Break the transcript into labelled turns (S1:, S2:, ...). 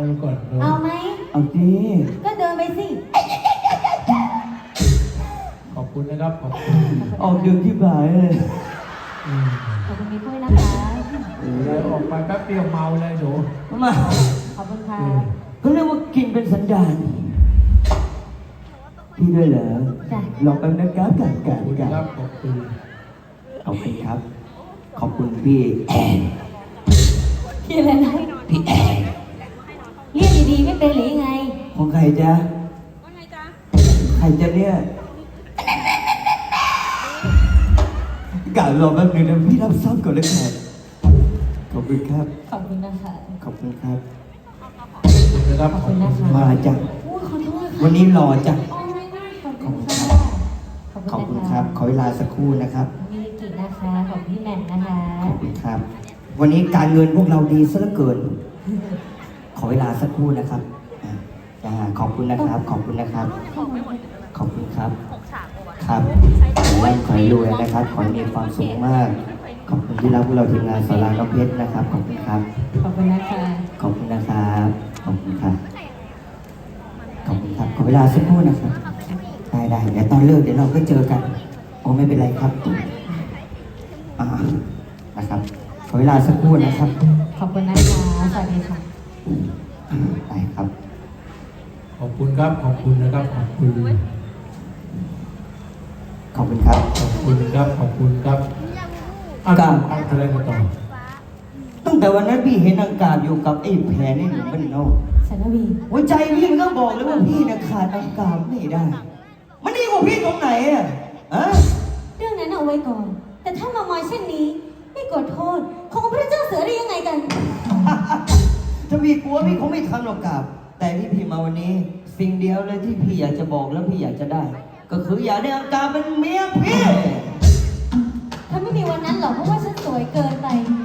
S1: ไปก่อนเนอะ
S2: เอาไหม
S3: เอาดิ
S2: ก็เดินไปสิ
S1: ขอบคุณนะครับขอบคุณ
S3: ออกดึกที่บ่ายเลย
S2: ขอบคุณพี่ปุ้ยนะคะ
S1: เลยออกไปแป๊บเดียวเมาเลยหนู
S3: มา
S2: ขอบคุณค่ะ
S3: เขาเรียกว่ากินเป็นสันดานพี่ด้วยเหรอ
S2: จ้ะ
S3: ลองแป๊บนะครับกัน
S1: ขอบคุณครับขอบคุณ
S3: ขอบคุณครับ ขอบคุณพี่แอน
S2: พี่อะไรนะ
S3: พี่แอน
S2: เรียกดีๆไม่เป็นหรือยังไง
S3: ของใครจ๊ะใครจ๊ะเนี่ยกะรอแป๊บนึงนะพี่รับซ้ำก่อนเลยครับขอบคุณครับ
S2: ขอบคุณนะคะ
S3: ขอบคุณครับ
S1: ขอบคุณนะครับ
S2: ขอบคุณนะคะ
S3: มาจ้ะ
S2: อุ้ยขอโทษค่ะ
S3: วันนี้รอจ้ะ
S2: โอ้ยขอบคุณค่ะ
S3: ขอบคุณครับ ขอเวลาสักครู่นะครับ
S2: มีกิจนะคะ ของพี่แหม่มนะคะ
S3: ขอบคุณครับ วันนี้การเงินพวกเราดีซะเหลือเกิน ขอเวลาสักครู่นะครับจ้าขอบคุณนะครับ ขอบคุณนะครับ ขอบคุณครับ ครับขอให้ร่ำขอให้รวยนะครับ ขอให้มีความสุขมาก ขอบคุณที่รักพวกเราทีมงานสาราน้องเพชรนะครับ ขอบคุณครับ
S2: ขอบคุณนะคะ
S3: ขอบคุณนะครับ ขอบคุณครับ ขอบคุณครับ ขอเวลาสักครู่นะครับ ได้เดี๋ยวตอนเลิกเดี๋ยวเราก็เจอกัน โอ้ไม่เป็นไรครับนะครับ ขอเวลาสักครู่นะครับ
S2: ขอบคุณนะคะ สวัสดีค่ะ
S3: ได้ครับ
S1: ขอบคุณครับขอบคุณนะครับขอบคุณ
S3: ขอบคุณครับ
S1: ขอบคุณครับขอบคุณครับอ่ะ
S3: ครับ
S1: อะไรมาต่อ
S3: ตั้งแต่วันนั้นพี่เห็นอากาศอยู่กับไอ้แผลนี่หนูมันเนาะ
S2: สันนวี
S3: หัวใจพี่มันก็บอกเลยว่าพี่เนี่ยขาดอากาศไม่ได้ มันดีกว่าพี่ตรงไหนอะฮะ
S2: เรื่องนั้นเอาไว้ก่อน แต่ถ้ามามอยเช่นนี้ ไม่กดโทษ ของพระเจ้าเสือได้ยังไงกัน
S3: ถ้าพี่กลัวพี่คงไม่ทำหรอกกับ แต่ที่พี่มาวันนี้ สิ่งเดียวเลยที่พี่อยากจะบอกแล้วพี่อยากจะได้ ก็คืออยากได้อากาศเป็นเมียพี่
S2: ถ้าไม่มีวันนั้นหรอกเพราะว่าฉันสวยเกินไป